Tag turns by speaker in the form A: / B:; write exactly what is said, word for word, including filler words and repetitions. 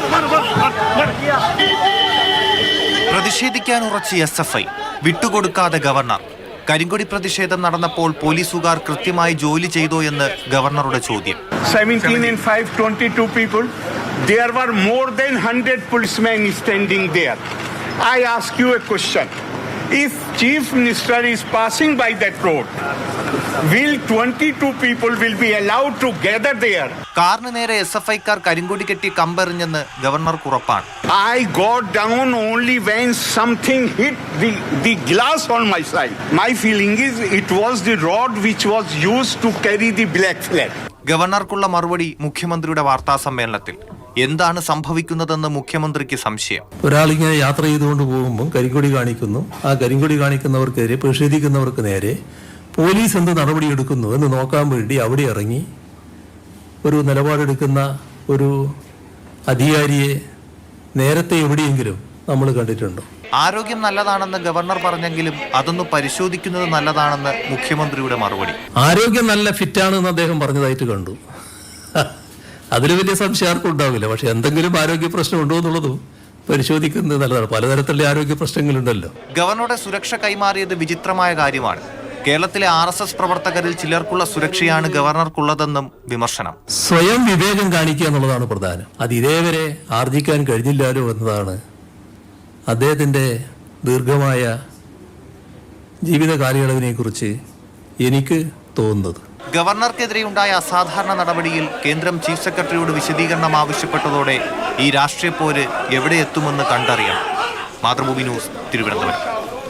A: പ്രതിഷേധിക്കാൻ ഉറച്ച S F I വിട്ടുകൊടുക്കാതെ governor. കരിങ്കൊടി പ്രതിഷേധം നടന്നപ്പോൾ പോലീസുകാർ കൃത്യമായി ജോലി ചെയ്തോ എന്ന് ഗവർണറുടെ ചോദ്യം.
B: seventeen and five, twenty-two people. There were more than one hundred policemen standing there. I ask you a question. If Chief Minister is passing by that road, will twenty-two people will be allowed to gather there?
A: കാറിന് നേരെ S F ഐക്കാർ കരിങ്കൊടി കെട്ടി കമ്പെറിഞ്ഞെന്ന് ഗവർണർക്ക് ഉറപ്പാണ്.
B: I got down only when something hit the, the glass on my side. My feeling is it was the rod which was used to carry the black flag.
A: ഗവർണർക്കുള്ള മറുപടി മുഖ്യമന്ത്രിയുടെ വാർത്താ സമ്മേളനത്തിൽ. എന്താണ് സംഭവിക്കുന്നതെന്ന് മുഖ്യമന്ത്രിക്ക് സംശയം.
C: ഒരാളിങ്ങനെ യാത്ര ചെയ്തുകൊണ്ട് പോകുമ്പോൾ കരിങ്കൊടി കാണിക്കുന്നു. ആ കരിങ്കൊടി കാണിക്കുന്നവർക്കെതിരെ പ്രതിഷേധിക്കുന്നവർക്ക് നേരെ പോലീസ് എന്ത് നടപടിയെടുക്കുന്നു എന്ന് നോക്കാൻ വേണ്ടി അവിടെ ഇറങ്ങി ഒരു നിലപാടെടുക്കുന്ന ഒരു അധികാരിയെ നേരത്തെ എവിടെയെങ്കിലും നമ്മൾ കണ്ടിട്ടുണ്ടോ?
A: ആരോഗ്യം നല്ലതാണെന്ന് ഗവർണർ പറഞ്ഞെങ്കിലും അതൊന്ന് പരിശോധിക്കുന്നത് നല്ലതാണെന്ന് മുഖ്യമന്ത്രിയുടെ മറുപടി.
C: ആരോഗ്യം നല്ല ഫിറ്റാണെന്ന് അദ്ദേഹം പറഞ്ഞതായിട്ട് കണ്ടു. അതിൽ വലിയ സംശയം ആർക്കും ഉണ്ടാവില്ല. പക്ഷെ എന്തെങ്കിലും ആരോഗ്യ പ്രശ്നം ഉണ്ടോ എന്നുള്ളതും പരിശോധിക്കുന്നത് നല്ലതാണ്. പലതരത്തിലുള്ള ആരോഗ്യ പ്രശ്നങ്ങളുണ്ടല്ലോ.
A: ഗവർണറുടെ സുരക്ഷ കൈമാറിയത് വിചിത്രമായ കാര്യമാണ്. കേരളത്തിലെ ആർ എസ് എസ് പ്രവർത്തകരിൽ ചിലർക്കുള്ള സുരക്ഷയാണ് ഗവർണർക്കുള്ളതെന്നും വിമർശനം.
C: സ്വയം വിവേകം കാണിക്കുക എന്നുള്ളതാണ് പ്രധാനം. അത് ഇതേവരെ ആർജിക്കാൻ കഴിഞ്ഞില്ലാലോ എന്നതാണ് അദ്ദേഹത്തിൻ്റെ ദീർഘമായ ജീവിത കാലയളവിനെ കുറിച്ച് എനിക്ക് തോന്നുന്നത്.
A: ഗവർണർക്കെതിരെയുണ്ടായ അസാധാരണ നടപടിയിൽ കേന്ദ്രം ചീഫ് സെക്രട്ടറിയോട് വിശദീകരണം ആവശ്യപ്പെട്ടതോടെ ഈ രാഷ്ട്രീയ പോര് എവിടെ എത്തുമെന്ന് കണ്ടറിയണം. മാതൃഭൂമി ന്യൂസ്, തിരുവനന്തപുരം.